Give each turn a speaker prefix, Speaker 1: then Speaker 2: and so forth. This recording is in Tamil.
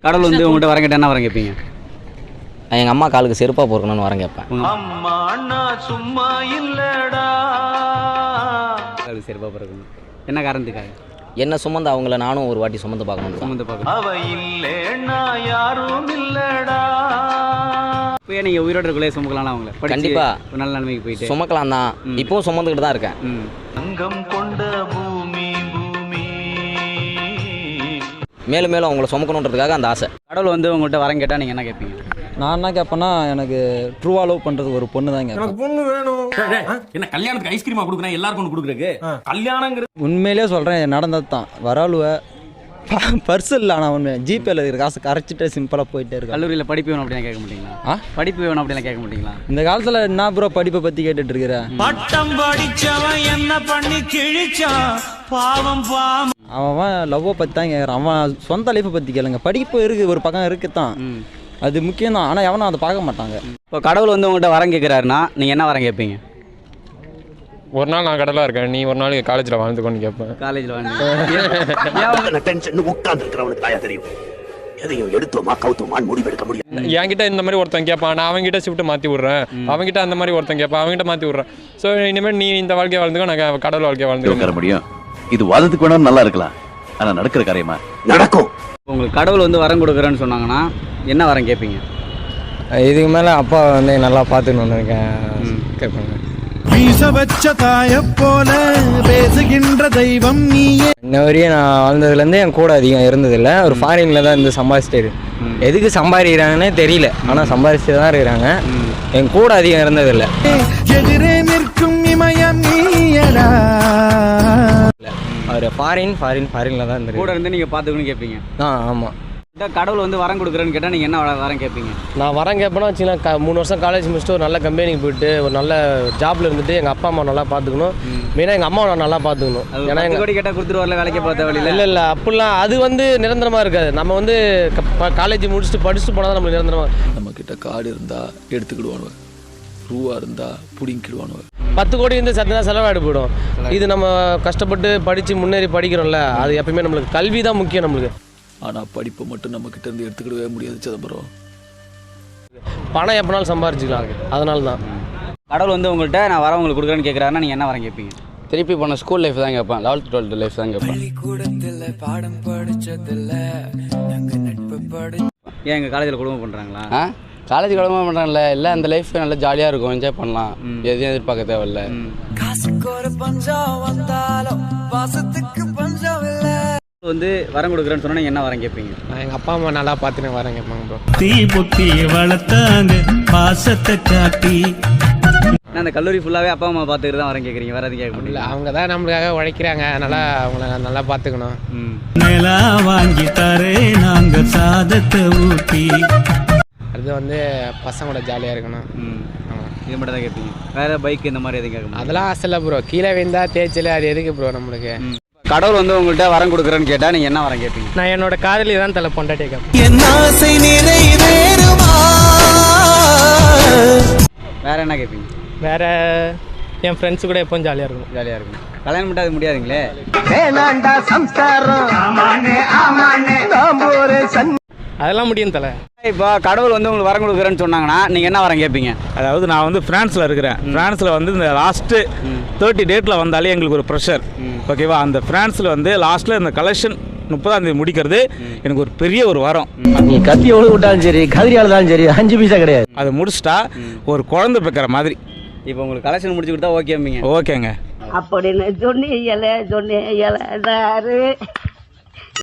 Speaker 1: கடவுள் வந்து உங்கள்கிட்ட வரம் கேட்டால் என்ன வரம் கேட்பீங்க?
Speaker 2: எங்கள் அம்மா காலுக்கு செருப்பாக பொறுக்கணும்னு வரம் கேட்பேன்.
Speaker 3: சும்மா இல்லடா
Speaker 1: காலுக்கு செருப்பாக பிறக்கணும். என்ன காரணத்துக்காக?
Speaker 2: என்ன சுமந்து அவங்கள நானும் ஒரு வாட்டி சுமந்து பார்க்கணும்.
Speaker 1: சுமந்து பார்க்கணும்.
Speaker 3: அவ இல்லேன்னா யாரும் இல்லடா.
Speaker 1: இப்போ நீங்கள் உயிரோட இருக்குள்ளே சுமக்கலாம் அவங்கள?
Speaker 2: கண்டிப்பா
Speaker 1: ஒரு நல்ல நிலைமைக்கு போயிட்டு
Speaker 2: சுமக்கலாம் தான். இப்பவும் சுமந்துக்கிட்டு தான் இருக்கேன்.
Speaker 3: அங்கம் கொண்ட பூமி பூமி.
Speaker 2: மேலும் மேலும் அவங்கள சுமக்கணுன்றதுக்காக அந்த ஆசை.
Speaker 1: கடவுள் வந்து உங்கள்கிட்ட வரம் கேட்டால் நீங்கள் என்ன கேட்பீங்க?
Speaker 4: நான் என்ன கேட்பேன்னா, எனக்கு ட்ரூவா லவ் பண்றதுக்கு ஒரு பொண்ணு தான் கேட்பேன்.
Speaker 5: பொண்ணு வேணும்.
Speaker 6: என்ன கல்யாணத்துக்கு ஐஸ்கிரீமா கொடுக்குறேன் எல்லாருக்கும் ஒன்று கொடுக்குறக்கு? கல்யாணங்கிறது
Speaker 4: உண்மையிலே சொல்றேன், நடந்தது தான். வராளுவ பர்ஸ் இல்லை, ஆனால் ஒன்று ஜிபேல இருக்கிற காசு கரைச்சிட்டு சிம்பிளாக போயிட்டே இருக்கு.
Speaker 1: கல்லூரியில் படிப்பு வேணும் அப்படிலாம் கேட்க மாட்டீங்களா? படிப்பு வேணும் அப்படிலாம் கேட்க மாட்டீங்களா?
Speaker 4: இந்த காலத்தில் என்ன ப்ரோ படிப்பை பற்றி கேட்டுட்டு இருக்கிறேன்.
Speaker 3: பட்டம் படிச்சவன் என்ன பண்ணி கிழிச்சான் பாவம் பாவம்.
Speaker 4: அவன் லவ்வை பற்றி தான் கேட்குறான். அவன் சொந்த லைஃப்பை பற்றி கேளுங்க. படிப்பு இருக்குது, ஒரு பக்கம் இருக்குதான், அது முக்கியம் தான். ஆனால் எவனும் அதை பார்க்க மாட்டாங்க.
Speaker 1: இப்போ கடவுள் வந்து உங்கள்கிட்ட வரம் கேட்குறாருன்னா நீங்கள் என்ன வரம் கேட்பீங்க?
Speaker 7: ஒரு நாள் நான் கடலாக இருக்கேன், நீ ஒரு நாள் காலேஜில் வாழ்ந்துக்கோன்னு கேட்பேன்.
Speaker 1: காலேஜில் வந்து
Speaker 7: என்கிட்ட இந்த மாதிரி ஒருத்தன் கேட்பான், நான் அவங்ககிட்ட ஷிஃப்ட் மாற்றி விட்றேன். அவங்ககிட்ட அந்த மாதிரி ஒருத்தன் கேட்பான், அவங்ககிட்ட மாற்றி விட்றேன். ஸோ இனிமேல் நீ இந்த வாழ்க்கையை வாழ்ந்துக்கோ, நான் கடவுள் வாழ்க்கையை வாழ்ந்துக்க
Speaker 8: முடியும். இது வாதத்துக்கு வேணாலும் நல்லா இருக்கலாம், ஆனால் நடக்கிற காரியமா நடக்கும்.
Speaker 1: உங்களுக்கு கடவுள் வந்து வரம் கொடுக்குறேன்னு சொன்னாங்கன்னா என்ன வரம் கேட்பீங்க?
Speaker 4: இதுக்கு மேலே அப்பா வந்து நல்லா பார்த்துன்னு வந்திருக்கேன் கேட்பாங்க.
Speaker 3: வீச வச்ச தாய போல பேசுகின்ற தெய்வம் நீயே.
Speaker 4: இன்ன வரையும் நான் வாழ்ந்ததுலேருந்து என் கூட அதிகம் இருந்ததில்லை. ஒரு ஃபாரினில் தான் இருந்து சம்பாதிச்சிட்டு, எதுக்கு சம்பாதிக்கிறாங்கன்னே தெரியல, ஆனால் சம்பாதிச்சுட்டு தான் இருக்கிறாங்க. என் கூட அதிகம் இருந்ததில்லை.
Speaker 3: எதிரே நிற்கும் இமயம் நீயடா.
Speaker 4: அவர் ஃபாரினில் தான் இருந்து
Speaker 1: கூட இருந்து நீங்கள் பார்த்துக்கணும்னு கேட்பீங்க?
Speaker 4: ஆமாம்.
Speaker 1: கடவுள் வந்து வரம் கொடுக்குறேன்னு கேட்டால் நீங்கள் என்ன வரம் கேட்பீங்க?
Speaker 9: நான் வரம் கேட்பேன்னா வச்சுன்னா 3 வருஷம் காலேஜ் முடிச்சுட்டு ஒரு நல்ல கம்பெனிக்கு போயிட்டு ஒரு நல்ல ஜாப்ல இருந்துட்டு எங்கள் அப்பா அம்மா நல்லா பார்த்துக்கணும். மெயினாக எங்கள் அம்மாவை நான் நல்லா பார்த்துக்கணும். ஏன்னா எங்கள்
Speaker 1: கோடி கேட்டால் கொடுத்துருவாரில்ல, வேலைக்கு பார்த்த வழியில்.
Speaker 9: இல்லை அப்படிலாம் அது வந்து நிரந்தரமாக இருக்காது. நம்ம வந்து காலேஜ் முடிச்சுட்டு படிச்சுட்டு போனால் தான் நம்மளுக்கு நிரந்தரமாக.
Speaker 10: நம்மக்கிட்ட கார்டு இருந்தால் எடுத்துக்கிடுவானுவ, ரூபா இருந்தால் பிடிங்கிடுவானுவ.
Speaker 9: 10 கோடி வந்து சத்தினா செலவாயிடு போயிடும். இது நம்ம கஷ்டப்பட்டு படித்து முன்னேறி படிக்கிறோம்ல, அது எப்பயுமே நம்மளுக்கு கல்வி தான் முக்கியம் நம்மளுக்கு.
Speaker 10: ஆனால் படிப்பை மட்டும் நம்மக்கிட்ட இருந்து எடுத்துக்கிடவே முடியாது சிதம்பரம்.
Speaker 9: பணம் எப்போனாலும் சம்பாரிச்சிக்கலாம், அதனால தான்.
Speaker 1: கடவுள் வந்து உங்கள்கிட்ட நான் வரம் உங்களுக்கு கொடுக்குறேன்னு கேட்குறாருன்னா நீங்கள் என்ன வரம் கேட்பீங்க?
Speaker 2: திருப்பி போன ஸ்கூல் லைஃப் தான் கேட்பேன். 11th 12th லைஃப் தான் கேட்பேன்.
Speaker 1: ஏன் எங்கள் காலேஜில் குடும்பம் பண்ணுறாங்களா?
Speaker 2: காலேஜ் குடும்பம் பண்ணுறாங்கல்ல, இல்லை அந்த லைஃப் நல்லா ஜாலியாக இருக்கும், என்ஜாய் பண்ணலாம், எதையும் எதிர்பார்க்க தேவையில்ல.
Speaker 1: வந்து வரம் கொடுக்குறேன்னு சொன்னா என்ன வரம் கேட்பீங்க?
Speaker 9: நான் எங்கள் அப்பா அம்மா நல்லா பார்த்துன்னு வரம் கேட்பாங்க ப்ரோ.
Speaker 3: தீ புத்தி வளர்த்தாங்க பாசத்தை காட்டி.
Speaker 1: அந்த கல்லூரி ஃபுல்லாகவே அப்பா அம்மா பார்த்துக்கிட்டு தான் வரம் கேட்குறீங்க, வேறு எதுவும் கேட்க முடியல?
Speaker 9: அவங்க தான் நம்மளுக்காக உழைக்கிறாங்க, அதனால் அவங்கள நல்லா பார்த்துக்கணும்.
Speaker 3: நிலா வாங்கி தரே நாங்க சாதத்தை ஊட்டி.
Speaker 9: அது வந்து பசங்களோட ஜாலியாக இருக்கணும்.
Speaker 1: இது மட்டும் தான் கேட்பீங்க, வேறு பைக் இந்த மாதிரி எதுவும் கேட்க முடியும்?
Speaker 9: அதெல்லாம் ஆசை இல்லை ப்ரோ. கீழே விழுந்தா தேய்ச்சல் அது எதுக்கு ப்ரோ நம்மளுக்கு?
Speaker 1: கடவுள் வந்து உங்கள்கிட்ட வரம் கொடுக்குறேன்னு கேட்டால் நீங்கள் என்ன வரம் கேட்பீங்க?
Speaker 9: நான் என்னோட காதலி தான் தலை பொண்டாட்டி கேட்பேன்.
Speaker 3: என் ஆசை நிறைவேறுமா.
Speaker 1: வேறு என்ன கேட்பீங்க?
Speaker 9: வேற என் ஃப்ரெண்ட்ஸ் கூட எப்பவும் ஜாலியாக இருக்கும்.
Speaker 1: ஜாலியாக இருக்கும். கல்யாணம் மட்டும் அது முடியாதுங்களே.
Speaker 9: அதெல்லாம் முடியும் தலை.
Speaker 1: இப்போ கடவுள் வந்து உங்களுக்கு வரம் கொடுக்குறேன்னு சொன்னாங்கன்னா நீங்கள் என்ன வரம் கேட்பீங்க?
Speaker 11: அதாவது நான் வந்து ஃப்ரான்ஸில் இருக்கிறேன். ஃப்ரான்ஸில் வந்து இந்த லாஸ்ட்டு 30 டேட்டில் வந்தாலே எங்களுக்கு ஒரு ப்ரெஷர், ஓகேவா? அந்த ஃப்ரான்ஸில் வந்து லாஸ்ட்டில் இந்த கலெக்ஷன் 30ஆம் தேதி முடிக்கிறது எனக்கு ஒரு பெரிய ஒரு வரம்.
Speaker 4: நீ கத்தி எவ்வளோ விட்டாலும் சரி, கதிரியால் தான் சரி, 5 பைசா கிடையாது.
Speaker 11: அதை முடிச்சிட்டா ஒரு குழந்தை பெக்கிற மாதிரி.
Speaker 1: இப்போ உங்களுக்கு கலெக்ஷன் முடிச்சு கொடுத்தா ஓகேங்க?
Speaker 11: ஓகேங்க
Speaker 12: அப்படின்னு சொன்னீங்களே